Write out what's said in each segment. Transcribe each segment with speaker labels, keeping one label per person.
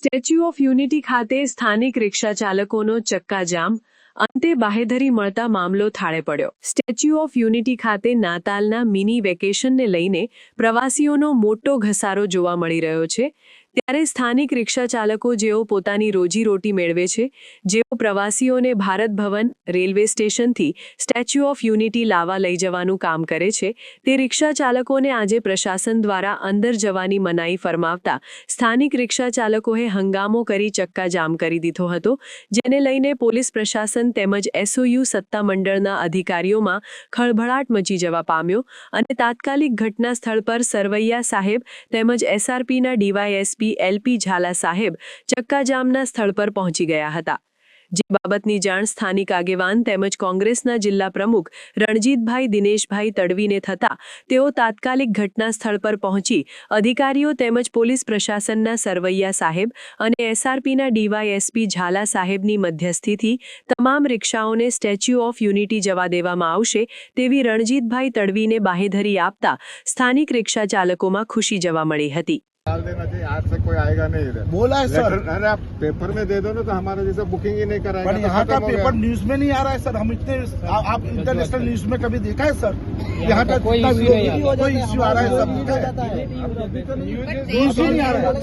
Speaker 1: Statue of unity ખાતે સ્થાનિક રિક્ષા ચાલકોનો ચક્કાજામ, અંતે બાહેધરી મળતા મામલો થાળે પડ્યો। સ્ટેચ્યુ ઓફ યુનિટી ખાતે નાતાલના મિની વેકેશનને લઈને પ્રવાસીઓનો મોટો ઘસારો જોવા મળી રહ્યો છે। ત્યારે સ્થાનિક રિક્ષા ચાલકો જેઓ પોતાની રોજીરોટી મેળવે છે, જેઓ પ્રવાસીઓને ભારત ભવન, રેલવે સ્ટેશનથી સ્ટેચ્યુ ઓફ યુનિટી લાવવા લઈ જવાનું કામ કરે છે, તે રિક્ષા ચાલકોને આજે પ્રશાસન દ્વારા અંદર જવાની મનાઈ ફરમાવતા સ્થાનિક રિક્ષા ચાલકોએ હંગામો કરી ચક્કાજામ કરી દીધો હતો, જેને લઈને પોલીસ પ્રશાસન તેમજ એસઓયુ સત્તામંડળના અધિકારીઓમાં ખળભળાટ મચી જવા પામ્યો અને તાત્કાલિક ઘટના સ્થળ પર સરવૈયા સાહેબ તેમજ એસઆરપીના ડીવાયએસપી એલપી ઝાલા સાહેબ ચક્કાજામના સ્થળ પર પહોંચી ગયા હતા। જે બાબતની જાણ સ્થાનિક આગેવાન તેમજ કોંગ્રેસના જિલ્લા પ્રમુખ રણજીતભાઈ દિનેશભાઈ તડવીને થતાં તેઓ તાત્કાલિક ઘટના સ્થળ પર પહોંચી અધિકારીઓ તેમજ પોલીસ પ્રશાસનના સરવૈયા સાહેબ અને એસઆરપીના ડીવાયએસપી ઝાલા સાહેબની મધ્યસ્થીથી તમામ રિક્ષાઓને સ્ટેચ્યુ ઓફ યુનિટી જવા દેવામાં આવશે તેવી રણજીતભાઈ તડવીને બાહેધરી આપતા સ્થાનિક રિક્ષા ચાલકોમાં ખુશી જોવા મળી હતી।
Speaker 2: डाल देना चाहिए, आज से कोई आएगा नहीं इधर।
Speaker 3: बोला है सर।
Speaker 2: अरे आप पेपर में दे दो ना, तो हमारे जैसे बुकिंग ही नहीं कराएगा।
Speaker 3: पर यहाँ का पेपर न्यूज में नहीं आ रहा है सर। हम इतने आप इंटरनेशनल न्यूज में कभी देखा है सर? यहाँ का कोई इश्यू आ रहा है सब न्यूज ही नहीं आ रहा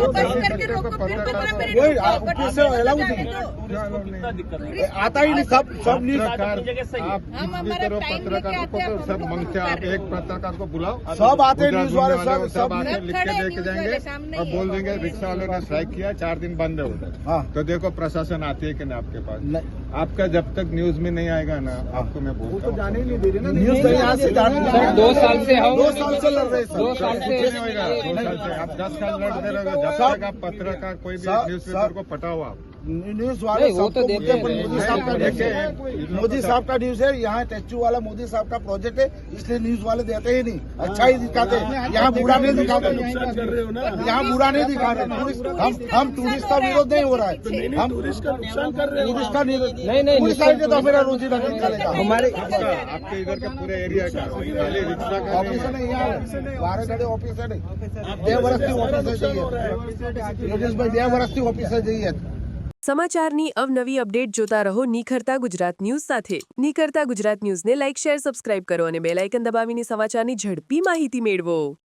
Speaker 3: है। आता ही नहीं सब न्यूज।
Speaker 2: आप पत्रकार को सब मांगते हैं, आप एक पत्रकार को बुलाओ,
Speaker 3: सब आते न्यूज वाले सब
Speaker 2: लिख के लेके जाएंगे और बोल देंगे रिक्शा वालों ने स्ट्राइक किया, 4 दिन बंद है उधर।
Speaker 3: हाँ।
Speaker 2: तो देखो प्रशासन आती है कि नहीं आपके पास? आपका जब तक न्यूज में नहीं आएगा ना, आपको मैं बोलता हूँ जाने ही नहीं दे रहे ना
Speaker 3: न्यूज। यहाँ से
Speaker 4: 2 साल से
Speaker 3: 2 साल से लड़ रहे
Speaker 4: 2 साल से
Speaker 2: नहीं होगा, 2 साल से आप 10 साल लड़ते रहोगे जब तक आप पत्रकार कोई भी न्यूज पेपर को पटाओ आप।
Speaker 3: न्यूज वाले
Speaker 4: वो तो देते हैं।
Speaker 3: मोदी साहब का न्यूज है। यहाँ स्टैच्यू वाला मोदी साहब का प्रोजेक्ट है, इसलिए न्यूज वाले देते ही नहीं, अच्छा ही दिखाते हैं। यहाँ बुरा नहीं दिखाते, यहाँ बुरा नहीं दिखा रहे। हम टूरिस्ट का विरोध नहीं हो रहा है, हम टूरिस्ट का नुकसान कर रहे हैं। टूरिस्ट का नहीं पुलिस आएंगे तो मेरा रोजी निकालेगा। हमारे
Speaker 2: आपके इधर के पूरे एरिया का रिक्शा का
Speaker 3: ऑफिस नहीं, यहाँ 12 घंटे ऑफिस है नहीं, 2 વર્ષથી ઓફિસ જઈએ યોગેશભાઈ 2 વર્ષથી ઓફિસ જઈએ।
Speaker 1: સમાચારની અવનવી અપડેટ જોતા રહો નિખરતા ગુજરાત ન્યૂઝ સાથે। નિખરતા ગુજરાત ન્યૂઝને લાઇક, શેર, સબસ્ક્રાઇબ કરો અને બેલ આઇકન દબાવીને સમાચારની ઝડપી માહિતી મેળવો।